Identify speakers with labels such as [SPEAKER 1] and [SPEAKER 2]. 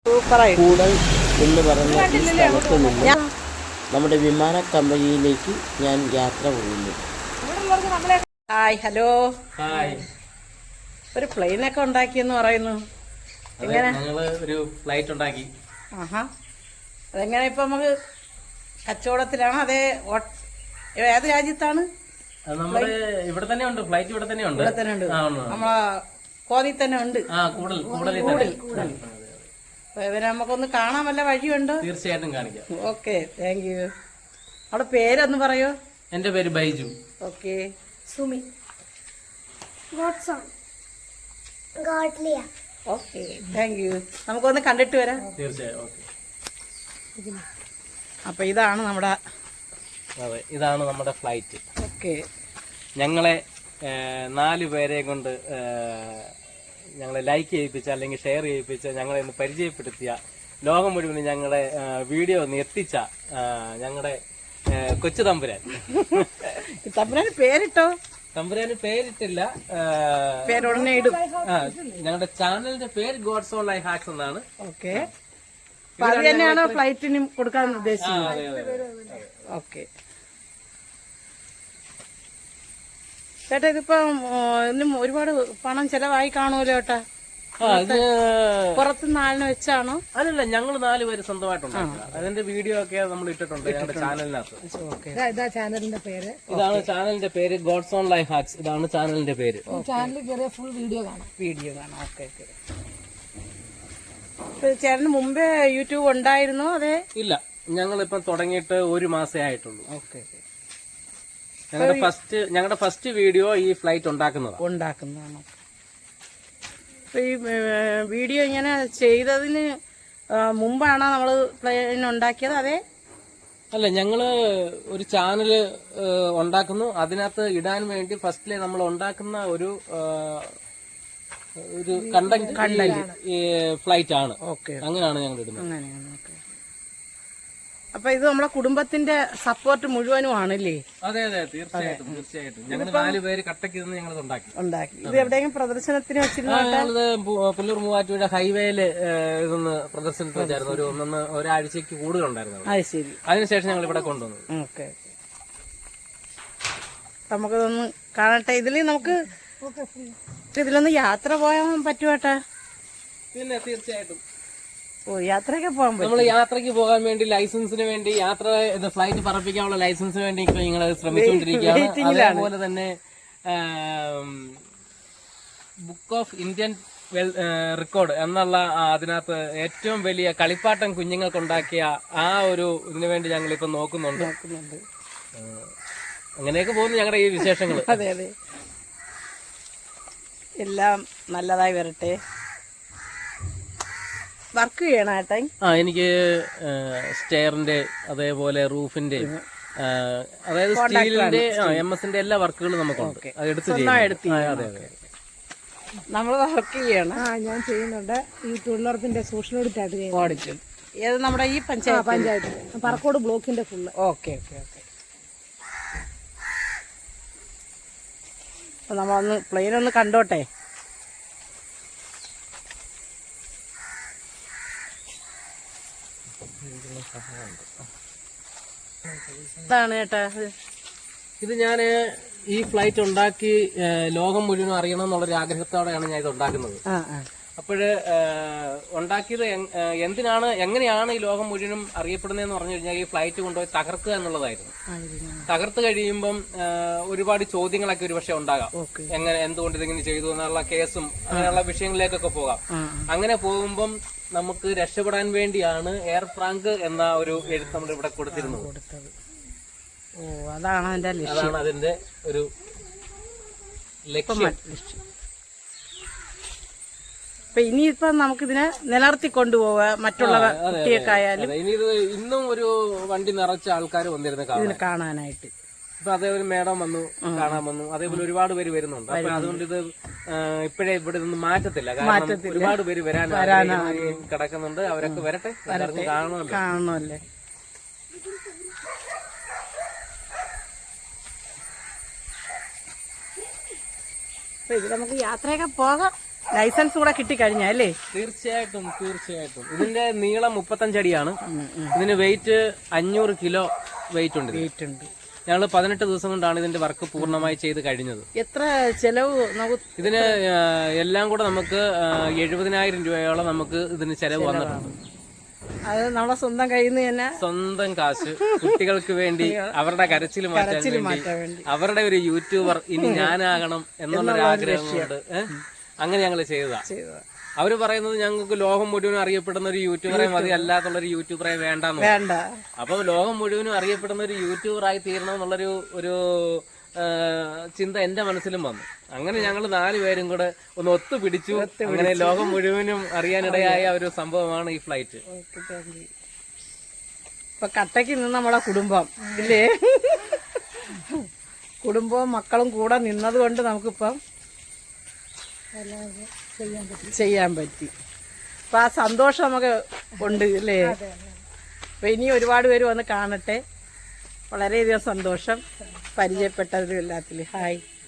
[SPEAKER 1] കൂടൽ എന്ന് പറഞ്ഞ ഈ സ്ഥലത്ത് നിന്ന് നമ്മുടെ വിമാന കമ്പനിയിലേക്ക് ഞാൻ യാത്ര പോകുന്നു.
[SPEAKER 2] Hi, hello.
[SPEAKER 3] ഹായ്.
[SPEAKER 2] ഒരു പ്ലെയിനൊക്കെ ഉണ്ടാക്കിയെന്ന് പറയുന്നു. എങ്ങനെ?
[SPEAKER 3] ഞങ്ങള് ഒരു ഫ്ലൈറ്റ് ഉണ്ടാക്കി.
[SPEAKER 2] ആഹാ. അതെങ്ങനെ ഇപ്പൊ നമുക്ക് കച്ചവടത്തിലാണോ അതേ ഏത് രാജ്യത്താണ്?
[SPEAKER 3] നമ്മുടെ ഇവിടെ തന്നെ ഉണ്ട് ഫ്ലൈറ്റ്, ഇവിടെ തന്നെ ഉണ്ട്.
[SPEAKER 2] ഇവിടെ തന്നെ ഉണ്ട്. നമ്മളെ കോതി തന്നെ ഉണ്ട്. ഇവരെ നമുക്കൊന്ന് കാണാൻ വല്ല വഴിയുണ്ടോ?
[SPEAKER 3] തീർച്ചയായിട്ടും കാണിക്കാം.
[SPEAKER 2] Okay, thank you. അവിടെ പേരൊന്ന് പറയോ?
[SPEAKER 3] എന്റെ പേര് Baiju.
[SPEAKER 2] Okay.
[SPEAKER 4] Sumi. Godliya.
[SPEAKER 2] Okay, thank you. നമുക്കൊന്ന് കണ്ടിട്ട് വരാം.
[SPEAKER 3] തീർച്ചയായും. ഓക്കെ.
[SPEAKER 2] അപ്പൊ ഇതാണ് നമ്മുടെ
[SPEAKER 3] ഇതാണ് നമ്മുടെ ഫ്ലൈറ്റ്.
[SPEAKER 2] ഓക്കെ.
[SPEAKER 3] ഞങ്ങളെ 4 പേരെ കൊണ്ട് ഞങ്ങളെ ലൈക്ക് ചെയ്യിപ്പിച്ച അല്ലെങ്കിൽ ഷെയർ ചെയ്യിപ്പിച്ച ഞങ്ങളെ ഒന്ന് പരിചയപ്പെടുത്തിയ ലോകം മുഴുവൻ ഞങ്ങളെ വീഡിയോ ഒന്ന് എത്തിച്ച ഞങ്ങളുടെ കൊച്ചു തമ്പുരാൻ.
[SPEAKER 2] തമ്പുരാന് പേരിട്ടോ?
[SPEAKER 3] തമ്പുരാന് പേരിട്ടില്ല,
[SPEAKER 2] പേരുടനെ ഇടും.
[SPEAKER 3] ഞങ്ങളുടെ ചാനലിന്റെ പേര് ഗോഡ്സ് ഓൺ ലൈഫ് ഹാക്സ് എന്നാണ്.
[SPEAKER 2] ഓക്കെ. അത് തന്നെയാണോ ഫ്ലൈറ്റിനും കൊടുക്കാൻ ഉദ്ദേശിച്ചത്? ഓക്കെ. ചേട്ടാ, ഇതിപ്പോ ഇന്നും ഒരുപാട് പണം ചെലവായി കാണുമല്ലോ ചേട്ടാ. പുറത്തുനിന്ന് ആളിനെ വെച്ചാണോ?
[SPEAKER 3] അല്ലല്ല, ഞങ്ങൾ 4 പേര് സ്വന്തമായിട്ടുണ്ട്. അതിന്റെ വീഡിയോ ഒക്കെ നമ്മൾ ഇട്ടിട്ടുണ്ട് ഞങ്ങളുടെ ചാനലിനകത്ത്.
[SPEAKER 4] ചാനലിന്റെ പേര്
[SPEAKER 3] ഇതാണ് ചാനലിന്റെ പേര് ഗോഡ്സ് ഓൺ ലൈഫ് ഹാക്സ്. ഇതാണ് ചാനലിന്റെ പേര്.
[SPEAKER 4] ചാനലിൽ കയറിയ ഫുൾ വീഡിയോ കാണാം.
[SPEAKER 2] ഓക്കെ. ചേട്ടന് മുമ്പേ യൂട്യൂബ് ഉണ്ടായിരുന്നോ? അതെ.
[SPEAKER 3] ഇല്ല, ഞങ്ങളിപ്പം തുടങ്ങിയിട്ട് 1 മാസേ ആയിട്ടുള്ളൂ.
[SPEAKER 2] ഓക്കെ.
[SPEAKER 3] ഞങ്ങളുടെ ഫസ്റ്റ് വീഡിയോ ഈ ഫ്ലൈറ്റ് ഉണ്ടാക്കുന്നതാണ്.
[SPEAKER 2] ഈ വീഡിയോ ഇങ്ങനെ ചെയ്തതിന് മുമ്പാണോ നമ്മള് പ്ലെയിൻ ഉണ്ടാക്കിയത്? അതെ.
[SPEAKER 3] അല്ല, ഞങ്ങള് ഒരു ചാനല് ഉണ്ടാക്കുന്നു. അതിനകത്ത് ഇടാൻ വേണ്ടി ഫസ്റ്റിലെ നമ്മൾ ഉണ്ടാക്കുന്ന ഒരു കണ്ടന്റ് ഫ്ലൈറ്റ് ആണ്.
[SPEAKER 2] ഓക്കെ.
[SPEAKER 3] അങ്ങനെയാണ് ഞങ്ങൾ ഇടുന്നത്.
[SPEAKER 2] അങ്ങനെയാണ്. ഓക്കെ. അപ്പൊ ഇത് നമ്മളെ കുടുംബത്തിന്റെ സപ്പോർട്ട് മുഴുവനും ആണല്ലേ?
[SPEAKER 3] അതെ, തീർച്ചയായിട്ടും. ഞങ്ങൾ 4 പേര് കട്ടക്ക് നിന്ന് ഞങ്ങൾ ഉണ്ടാക്കി.
[SPEAKER 2] ഇത് എവിടെയെങ്കിലും പ്രദർശനത്തിന് വെച്ചിരുന്നത്?
[SPEAKER 3] പുല്ലൂർ മൂവാറ്റുപുഴ ഹൈവേയില് ഇതൊന്ന് പ്രദർശനത്തിന് വെച്ചായിരുന്നു. ഒരാഴ്ചക്ക് കൂടുതലുണ്ടായിരുന്നു.
[SPEAKER 2] അത് ശരി.
[SPEAKER 3] അതിനുശേഷം ഞങ്ങൾ ഇവിടെ കൊണ്ടുവന്നു.
[SPEAKER 2] ഓക്കെ. നമുക്കിതൊന്ന് കാണട്ടെ. ഇതിലൊന്ന് യാത്ര പോയാൻ പറ്റുവാട്ടാ?
[SPEAKER 3] പിന്നെ തീർച്ചയായിട്ടും.
[SPEAKER 2] യാത്രയൊക്കെ പോകാൻ പറ്റും.
[SPEAKER 3] നമ്മൾ യാത്രക്ക് പോകാൻ വേണ്ടി ലൈസൻസിന് വേണ്ടി ഫ്ലൈറ്റ് പറപ്പിക്കാനുള്ള ലൈസൻസിന് വേണ്ടി ഇപ്പൊ നിങ്ങൾ ശ്രമിച്ചുകൊണ്ടിരിക്കുകയാണ്. അതേപോലെ തന്നെ ബുക്ക് ഓഫ് ഇന്ത്യൻ റെക്കോർഡ് എന്നുള്ള അതിനകത്ത് ഏറ്റവും വലിയ കളിപ്പാട്ടം കുഞ്ഞുങ്ങൾക്കുണ്ടാക്കിയ ആ ഒരു ഇതിനു വേണ്ടി ഞങ്ങൾ ഇപ്പൊ നോക്കുന്നുണ്ട്. അങ്ങനെയൊക്കെ പോകുന്നു ഞങ്ങളുടെ ഈ വിശേഷങ്ങൾ.
[SPEAKER 2] അതെ. എല്ലാം നല്ലതായി വരട്ടെ. വർക്ക് ചെയ്യണം ഏട്ടാ?
[SPEAKER 3] എനിക്ക് സ്റ്റെയറിന്റെ അതേപോലെ റൂഫിന്റെ അതായത് സ്റ്റീലിന്റെ MS-ന്റെ എല്ലാ വർക്കുകളും നമുക്കുണ്ട്. അത് എടുത്ത് അതെ.
[SPEAKER 2] നമ്മൾ വർക്ക് ചെയ്യണം.
[SPEAKER 4] ഞാൻ ചെയ്യുന്നുണ്ട്. ഈ തൊഴിലുറപ്പിന്റെ സോഷ്യൽ ഓഡിറ്റ്.
[SPEAKER 2] ഏത് നമ്മുടെ ഈ പഞ്ചായത്ത്
[SPEAKER 4] പറക്കോട് ബ്ലോക്കിന്റെ ഫുള്ള്.
[SPEAKER 2] ഓക്കെ. അപ്പൊ നമ്മളൊന്ന് പ്ലെയിൻ ഒന്ന് കണ്ടോട്ടെ. ഇതാണ് ചേട്ടാ.
[SPEAKER 3] ഇത് ഞാന് ഈ ഫ്ലൈറ്റ് ഉണ്ടാക്കി ലോകം മുഴുവൻ അറിയണം എന്നുള്ളൊരു ആഗ്രഹത്തോടെയാണ് ഞാൻ ഇത് ഉണ്ടാക്കുന്നത്. അപ്പോഴ് ഉണ്ടാക്കിയത് എങ്ങനെയാണ് ഈ ലോകം മുഴുവനും അറിയപ്പെടുന്നതെന്ന് പറഞ്ഞു കഴിഞ്ഞാൽ ഈ ഫ്ലൈറ്റ് കൊണ്ടുപോയി തകർക്കുക എന്നുള്ളതായിരുന്നു. തകർത്ത് കഴിയുമ്പം ഒരുപാട് ചോദ്യങ്ങളൊക്കെ ഒരുപക്ഷെ ഉണ്ടാകാം. എന്തുകൊണ്ട് ഇതിങ്ങനെ ചെയ്തു എന്നുള്ള കേസും അങ്ങനെയുള്ള വിഷയങ്ങളിലേക്കൊക്കെ പോകാം. അങ്ങനെ പോകുമ്പം നമുക്ക് രക്ഷപ്പെടാൻ വേണ്ടിയാണ് എയർ ഫ്രാങ്ക് എന്ന ഒരു എഴുത്ത് നമ്മൾ ഇവിടെ കൊടുത്തിരുന്നത്.
[SPEAKER 2] അതാണ്
[SPEAKER 3] അതിന്റെ ഒരു ലക്ഷ്യം.
[SPEAKER 2] അപ്പൊ ഇനിയിപ്പോ നമുക്കിതിനെ നിലനിർത്തി കൊണ്ടുപോവാം. മറ്റുള്ള കുട്ടിയൊക്കെ ആയാലും
[SPEAKER 3] ഇനി ഇത് ഇന്നും ഒരു വണ്ടി നിറച്ച ആൾക്കാർ വന്നിരുന്ന
[SPEAKER 2] കാണാനായിട്ട്.
[SPEAKER 3] ഇപ്പൊ അതേപോലെ മേഡം വന്നു, കാണാൻ വന്നു. അതേപോലെ ഒരുപാട് പേര് വരുന്നുണ്ട്. അപ്പൊ അതുകൊണ്ട് ഇത് ഇപ്പോഴേ ഇവിടെ നിന്ന് മാറ്റത്തില്ല. കാരണം ഒരുപാട് പേര് വരാനാണ് കിടക്കുന്നുണ്ട്. അവരൊക്കെ വരട്ടെ,
[SPEAKER 2] കാണണമല്ലേ. ഇത് നമുക്ക് യാത്രയൊക്കെ പോകാം. ലൈസൻസ് കൂടെ കിട്ടിക്കഴിഞ്ഞല്ലേ?
[SPEAKER 3] തീർച്ചയായിട്ടും. ഇതിന്റെ നീളം 35 അടിയാണ്. ഇതിന് വെയിറ്റ് 500 കിലോ വെയിറ്റ് ഉണ്ട്. ഞങ്ങൾ 18 ദിവസം കൊണ്ടാണ് ഇതിന്റെ വർക്ക് പൂർണ്ണമായി ചെയ്ത് കഴിഞ്ഞത്.
[SPEAKER 2] എത്ര ചെലവ്
[SPEAKER 3] ഇതിന് എല്ലാം കൂടെ നമുക്ക് 70,000 രൂപയോളം നമുക്ക് ഇതിന് ചെലവ് വന്നിട്ടുണ്ട്.
[SPEAKER 2] അത് നമ്മളെ സ്വന്തം കയ്യിൽ നിന്ന് തന്നെ, സ്വന്തം
[SPEAKER 3] കാശ്, കുട്ടികൾക്ക് വേണ്ടി അവരുടെ കരച്ചിൽ മാറ്റാൻ വേണ്ടി, അവരുടെ ഒരു യൂട്യൂബർ ഇനി ഞാനാകണം എന്നുള്ളൊരു ആഗ്രഹം കൊണ്ട് അങ്ങനെ ഞങ്ങൾ ചെയ്തതാ. അവര് പറയുന്നത് ഞങ്ങൾക്ക് ലോകം മുഴുവനും അറിയപ്പെടുന്ന ഒരു യൂട്യൂബറെ മതി, അല്ലാത്തുള്ളൊരു യൂട്യൂബറെ വേണ്ട. അപ്പൊ ലോകം മുഴുവനും അറിയപ്പെടുന്ന ഒരു യൂട്യൂബറായി തീരണം എന്നുള്ളൊരു ഒരു ചിന്ത എന്റെ മനസ്സിലും വന്നു. അങ്ങനെ ഞങ്ങൾ 4 പേരും കൂടെ ഒന്ന് ഒത്തുപിടിച്ചു. അങ്ങനെ ലോകം മുഴുവനും അറിയാനിടയായ ഒരു സംഭവമാണ് ഈ ഫ്ലൈറ്റ്.
[SPEAKER 2] ഇപ്പൊ കട്ടയ്ക്ക് നിന്ന് നമ്മളെ കുടുംബം ഇല്ലേ, കുടുംബവും മക്കളും കൂടെ നിന്നത് കൊണ്ട് നമുക്കിപ്പം ചെയ്യാൻ പറ്റി. അപ്പൊ ആ സന്തോഷം നമുക്ക് ഉണ്ട് അല്ലേ? അപ്പൊ ഇനി ഒരുപാട് പേര് വന്ന് കാണട്ടെ. വളരെയധികം സന്തോഷം പരിചയപ്പെട്ടവരും എല്ലാത്തിലും. ഹായ്.